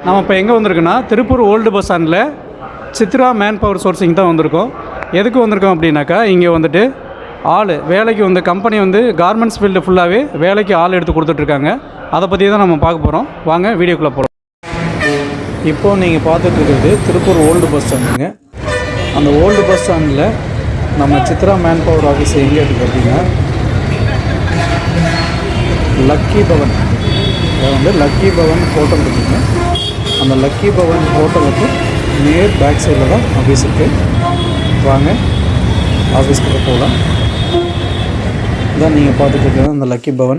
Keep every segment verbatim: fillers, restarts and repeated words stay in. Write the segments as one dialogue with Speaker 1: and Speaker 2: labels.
Speaker 1: நம்ம இப்போ எங்கே வந்திருக்கோன்னா திருப்பூர் ஓல்டு பஸ் ஸ்டாண்டில் சித்ரா மேன் பவர் சோர்சிங் தான் வந்திருக்கோம். எதுக்கு வந்திருக்கோம் அப்படின்னாக்கா, இங்கே வந்துட்டு ஆள் வேலைக்கு வந்து கம்பெனி வந்து கார்மெண்ட்ஸ் ஃபீல்டு ஃபுல்லாகவே வேலைக்கு ஆள் எடுத்து கொடுத்துட்ருக்காங்க. அதை பற்றி தான் நம்ம பார்க்க போகிறோம். வாங்க வீடியோக்குள்ளே போகிறோம். இப்போது நீங்கள் பார்த்துட்ருக்கிறது திருப்பூர் ஓல்டு பஸ் ஸ்டாண்டுங்க. அந்த ஓல்டு பஸ் ஸ்டாண்டில் நம்ம சித்ரா மேன் பவர் ஆஃபீஸ் எங்கே இருக்குது அப்படின்னா, லக்கி பவன், அது வந்து லக்கி பவன் ஹோட்டல் இருக்குதுங்க. அந்த லக்கி பவன் ஹோட்டலுக்கு நேர் பேக் சைடில் தான் ஆஃபீஸ் இருக்குது. வாங்க ஆஃபீஸ்க்கு போகலாம். இதான் நீங்கள் பார்த்துட்டு இருக்கிறது அந்த லக்கி பவன்.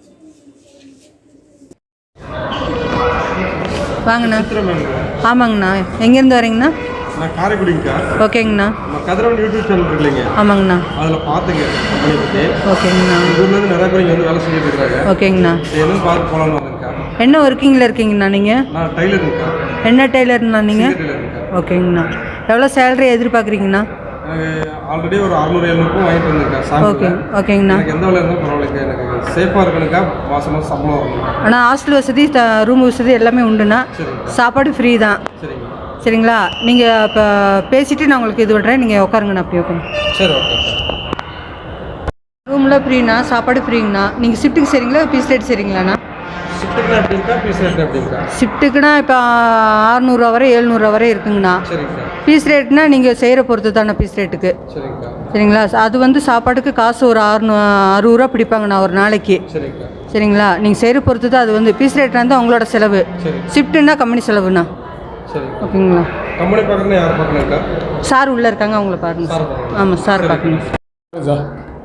Speaker 2: வாங்கண்ணா. ஆமாங்கண்ணா. எங்கேருந்து வரீங்கண்ணா?
Speaker 3: நான் காரைக்குடிங்கக்கா.
Speaker 2: ஓகேங்கண்ணா.
Speaker 3: நம்ம கதிரவன் யூடியூப் சேனல் இருக்கு இல்லைங்க?
Speaker 2: ஆமாங்கண்ணா.
Speaker 3: அதில் பார்த்துங்க கம்பெனி பற்றி.
Speaker 2: ஓகேங்கண்ணா.
Speaker 3: ஊர்லேருந்து நிறைய பேர் இங்கே வந்து வேலை செஞ்சுட்டு இருக்காங்க.
Speaker 2: ஓகேங்கண்ணா.
Speaker 3: என்னன்னு பார்த்து போகலான்னு வந்தேங்க்கா.
Speaker 2: என்ன ஒர்க்கிங்கில் இருக்கீங்கண்ணா நீங்கள்?
Speaker 3: நான் டைலருங்கக்கா.
Speaker 2: என்ன டெய்லர்ண்ணா நீங்கள்?
Speaker 3: டெய்லருங்கக்கா.
Speaker 2: ஓகேங்கண்ணா. எவ்வளோ சேலரி எதிர்பார்க்குறீங்கண்ணா?
Speaker 3: ஆல்ரெடி ஒரு அறுநூறு எழுநூறுக்கும் வாங்கிட்டு வந்திருக்கேன்.
Speaker 2: ஓகே ஓகேங்கண்ணா.
Speaker 3: எனக்கு எந்த வேலை இருந்தாலும் பரவாயில்லைங்க. எனக்கு சேஃபாக இருக்கணுக்கா. மாதம் மாதம் சம்பளம் வரணும்.
Speaker 2: ஆனால் ஹாஸ்டல் வசதி, ரூம் வசதி எல்லாமே உண்டுண்ணா. சாப்பாடு ஃப்ரீ தான்.
Speaker 3: சரிங்க.
Speaker 2: சரிங்களா? நீங்கள் இப்போ பேசிவிட்டு நான் உங்களுக்கு இது பண்ணுறேன். நீங்கள் உட்காருங்கண்ணா. அப்படி உட்காந்து.
Speaker 3: சரி, ஓகே.
Speaker 2: ரூமில் ஃப்ரீண்ணா, சாப்பாடு ஃப்ரீங்கண்ணா. நீங்கள் ஷிஃப்ட்டுக்கு சரிங்களா, பீஸ் ரேட் சரிங்களாண்ணா?
Speaker 3: ஷிஃப்ட்டுக்குனா எப்படிங்கக்கா, பீஸ் ரேட் எப்படிங்கக்கா?
Speaker 2: ஷிஃப்ட்டுக்குனா இப்போ அறுநூறுவா வரை எழுநூறுவா வரை இருக்குங்கண்ணா.
Speaker 3: சரிங்கக்கா.
Speaker 2: பீஸ் ரேட்னா நீங்கள் செய்கிற பொறுத்து தானே பீஸ் ரேட்டுக்கு.
Speaker 3: சரிங்கக்கா.
Speaker 2: சரிங்களா? அது வந்து சாப்பாட்டுக்கு காசு ஒரு அறுநூ அறுபது ரூபா பிடிப்பாங்கண்ணா ஒரு நாளைக்கு.
Speaker 3: சரிங்கக்கா.
Speaker 2: சரிங்களா? நீங்கள் செய்கிற பொறுத்து தான் அது வந்து பீஸ் ரேட் வந்து அவங்களோட செலவு.
Speaker 3: சரி.
Speaker 2: ஷிஃப்ட்டுன்னா கம்பெனி செலவுண்ணா.
Speaker 3: சரி,
Speaker 2: ஓகேங்களா?
Speaker 3: கம்பெனி பார்க்கணும். யார் பார்க்கணுங்கக்கா?
Speaker 2: சார் உள்ளே இருக்காங்க, அவங்கள பாருங்க.
Speaker 3: சார்.
Speaker 2: ஆமாம், சார் பார்க்கணும்.
Speaker 3: சார்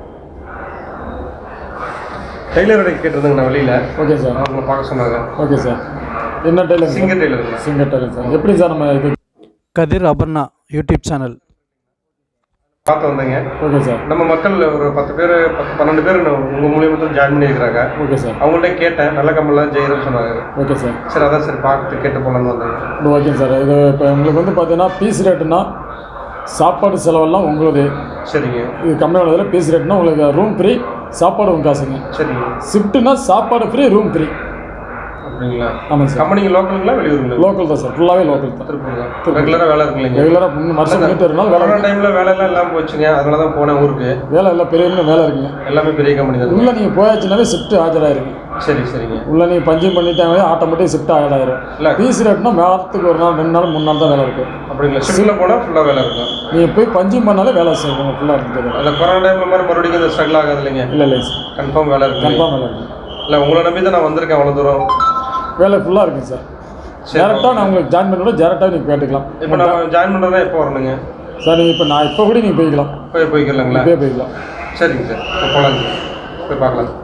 Speaker 3: டெய்லரோட கேட்டிருந்தாங்கண்ணா வெளியில்.
Speaker 4: Okay sir.
Speaker 3: அவங்க பார்க்க சொன்னாங்க.
Speaker 4: Okay sir. என்ன tailor?
Speaker 3: Singer tailor.
Speaker 4: Singer tailor sir. எப்படி சார் நம்ம இது
Speaker 1: கதிர் அபர்ணா யூடியூப் சேனல்
Speaker 3: பார்த்து வந்தேங்க.
Speaker 4: Okay sir.
Speaker 3: நம்ம மக்கள் ஒரு பத்து பேர் பத்து பன்னெண்டு பேர் உங்கள் மூலியமாக ஜாயின் பண்ணியிருக்கிறாங்க.
Speaker 4: Okay sir.
Speaker 3: அவங்கள்ட்ட கேட்டேன், நல்ல கம்பெனிலாம் ஜெயிரும் சொன்னாங்க.
Speaker 4: Okay sir.
Speaker 3: சரி, அதான் சரி பார்த்து கேட்டு போகலான்னு வந்தேங்க.
Speaker 4: Okay sir. இது இப்போ உங்களுக்கு வந்து பார்த்தீங்கன்னா பீஸ் ரேட்டுனா சாப்பாடு செலவெல்லாம் உங்களுக்கு.
Speaker 3: சரிங்க.
Speaker 4: இது கம்மியான இதில் பீஸ் ரேட்னா உங்களுக்கு ரூம் ஃப்ரீ, சாப்பாடு உங்கள் காசுங்க.
Speaker 3: சரிங்க.
Speaker 4: ஷிஃப்ட்டுனா சாப்பாடு ஃப்ரீ, ரூம் ஃப்ரீ.
Speaker 3: அப்படிங்களா?
Speaker 4: ஆமாம் சார்.
Speaker 3: கம்பெனிங்க லோக்கலுங்களா வெளியூருங்களா?
Speaker 4: லோக்கல் தான் சார். ஃபுல்லாகவே லோக்கல் தான்.
Speaker 3: திருப்பூர் தான். ரெகுலராக வேலை இருக்குல்லைங்க?
Speaker 4: ரெகுலராக மூணு வருஷம் பண்ணிட்டு இருந்தாலும் வேலை.
Speaker 3: கொரோனா டைமில் வேலையெல்லாம் இல்லாமல் போச்சுங்க. அதனால தான் போனேன் ஊருக்கு.
Speaker 4: வேலை எல்லாம் பெரிய வேலை இருக்குங்க.
Speaker 3: எல்லாமே பெரிய கம்பெனி தான்.
Speaker 4: உள்ளே நீங்கள் போயாச்சுனாவே ஷிஃப்ட்டு ஆஜராயிருங்க.
Speaker 3: சரி, சரிங்க.
Speaker 4: உள்ள நீங்கள் பஞ்சிங் பண்ணிட்டாங்க ஆட்டோமேட்டிக் ஷிஃப்ட் ஆகிடாயிரும்.
Speaker 3: இல்லை
Speaker 4: பீஸ் ரேட்னா மாதத்துக்கு ஒரு நாள், ரெண்டு நாள், மூணு நாள் தான் வேலை இருக்கும்.
Speaker 3: அப்படிங்களா? ஷிஃப்ட்டில் போனால் ஃபுல்லாக வேலை இருக்கும்.
Speaker 4: நீங்கள் போய் பஞ்சிங் பண்ணாலே வேலை செய்யணும் ஃபுல்லாக இருக்குது.
Speaker 3: அந்த கொரோனா டைமில் மாதிரி மறுபடியும் இந்த ஸ்ட்ரகிள் ஆகாது இல்லைங்க?
Speaker 4: இல்லை இல்லை சார்.
Speaker 3: கன்ஃபார்ம் வேலை இருக்கு.
Speaker 4: கன்ஃபார்ம் வேலை இருக்குது.
Speaker 3: இல்லை, உங்களை நம்பி தான் நான் வந்திருக்கேன் அவ்வளோ தூரம்.
Speaker 4: வேலை ஃபுல்லாக இருக்குது சார். டேரெக்டாக நான் உங்களுக்கு ஜாயின் பண்ணி டேரெக்டாக நீங்கள் கேட்டுக்கலாம்.
Speaker 3: இப்போ நம்ம ஜாயின் பண்ணுறதா எப்போ வரணுங்க
Speaker 4: சார்? நீங்கள் இப்போ நான் இப்போ கூட நீங்கள் போய்க்கலாம்.
Speaker 3: போய் போய்க்கலாங்களா?
Speaker 4: போய் போய்க்கலாம்.
Speaker 3: சரிங்க சார். இப்போ போகலாங்க. போய் பார்க்கலாம்.